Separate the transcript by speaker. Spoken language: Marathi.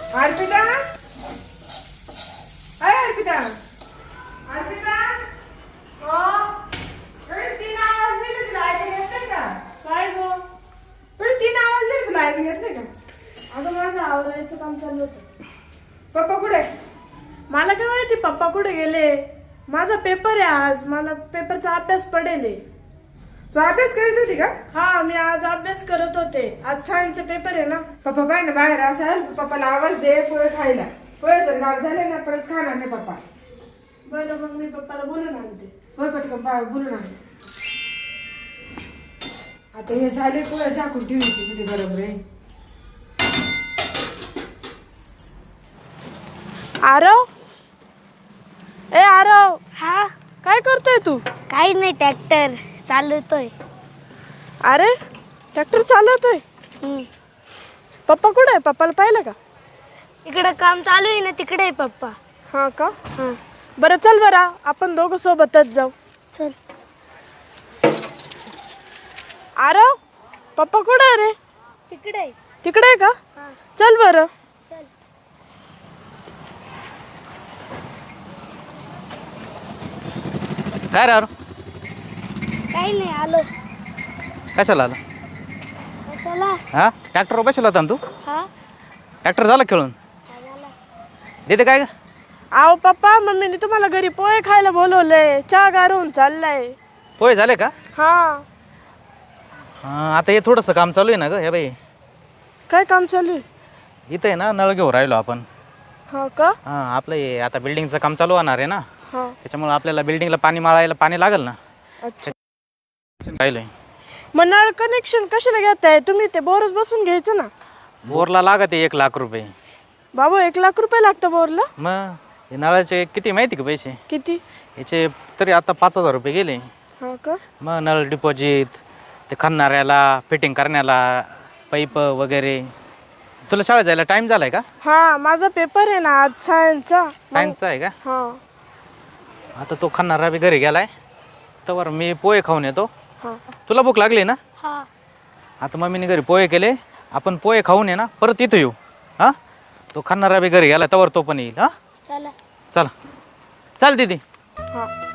Speaker 1: अर्पिता, अय अर्पिता, अर्पिता, थोडे 3 आवाज दिले तुला ऐकू येत नाही का?
Speaker 2: काय गो?
Speaker 1: थोडे 3 आवाज दिले तुला ऐकू येत नाही का?
Speaker 2: अगं माझं आवरायचं काम चालू होतं.
Speaker 1: पप्पा कुठे?
Speaker 2: मला काय माहिती पप्पा कुठे गेले. माझा पेपर आहे आज, मला पेपरचा अभ्यास पडेल.
Speaker 1: तू अभ्यास करत होती का?
Speaker 2: हा, मी आज अभ्यास करत होते. आज सायन्सचा पेपर आहे ना.
Speaker 1: पप्पा बाय ना बाहेर असाल, पप्पाला आवाज दे पोहे खायला. पोहे जर गाव झाले ना परत खाणार नाही पप्पा.
Speaker 2: बरं, मग मी पप्पाला बोलून आणते.
Speaker 1: होय पटकन बोलून आण. आता हे झाले पोहे झाकून ठेवली तुझी बरोबर आहे.
Speaker 2: आरव, ए आरव,
Speaker 3: हा,
Speaker 2: काय करतोय तू?
Speaker 3: काही नाही, ट्रॅक्टर चालवतोय.
Speaker 2: अरे ट्रॅक्टर चालवतोय. पप्पा कुठे आहे? पप्पाला पाहिलं का?
Speaker 3: इकडे काम चालू आहे ना, तिकडे आहे पप्पा.
Speaker 2: हा का?
Speaker 3: हा,
Speaker 2: बरं चल बरं, आपण दोघं सोबतच जाऊ.
Speaker 3: चल.
Speaker 2: आरव, पप्पा कुठे आहे रे?
Speaker 3: तिकडे आहे.
Speaker 2: तिकडे आहे का?
Speaker 3: हा,
Speaker 2: चल बरं.
Speaker 3: चल.
Speaker 4: काय रे
Speaker 3: काही नाही, आलो.
Speaker 4: कशाला आला?
Speaker 3: कशाला?
Speaker 4: हा, ट्रॅक्टरवर बसला होता ना तू?
Speaker 3: हा,
Speaker 4: ट्रॅक्टर झाला खेळून?
Speaker 3: झाला.
Speaker 4: देते काय का?
Speaker 2: आहो पप्पा, मम्मीने तुम्हाला घरी पोहे खायला बोलवलंय. चहा गारून चाललाय.
Speaker 4: पोहे झाले का?
Speaker 2: हा.
Speaker 4: हा, आता हे थोडंसं काम चालू आहे ना ग. हे बाई,
Speaker 2: काय काम चालू आहे?
Speaker 4: इथं आहे ना, नळ घेऊन राहिलो आपण.
Speaker 2: हा का?
Speaker 4: हा, आपलं हे आता बिल्डिंगचं काम चालू होणार आहे ना,
Speaker 2: हा.
Speaker 4: त्याच्यामुळे आपल्याला बिल्डिंगला पाणी मारायला पाणी लागेल ना.
Speaker 2: अच्छा.
Speaker 4: राहिलंय.
Speaker 2: मग नळ कनेक्शन कशाला घेताय तुम्ही? ते बोरच बसून घ्यायचं ना.
Speaker 4: बोरला लागत आहे 1 लाख रुपये.
Speaker 2: बाबू, 1 लाख रुपये लागतं बोरला?
Speaker 4: मग हे नळाचे किती माहिती का पैसे?
Speaker 2: किती?
Speaker 4: याचे तरी आता 5,000 रुपये गेले.
Speaker 2: हा का?
Speaker 4: मग नळ डिपॉझिट, ते खणणाऱ्याला, फिटिंग करण्याला, पाईप वगैरे. तुला शाळेत जायला टाइम झालाय का?
Speaker 2: हा, माझा पेपर आहे ना आज सायन्सचा.
Speaker 4: सायन्सचा आहे का?
Speaker 2: हा.
Speaker 4: आता तो खणणारा बी घरी गेलाय, तर मी पोहे खाऊन येतो.
Speaker 2: हा.
Speaker 4: तुला भूक लागली ना?
Speaker 3: हा,
Speaker 4: आता मम्मीने घरी पोहे केले, आपण पोहे खाऊन ये ना, परत इथं येऊ. हा, तो खणणारा बी घरी गेला, तवर तो पण येईल. हा,
Speaker 3: चला.
Speaker 4: चला. चल दीदी.
Speaker 2: हा.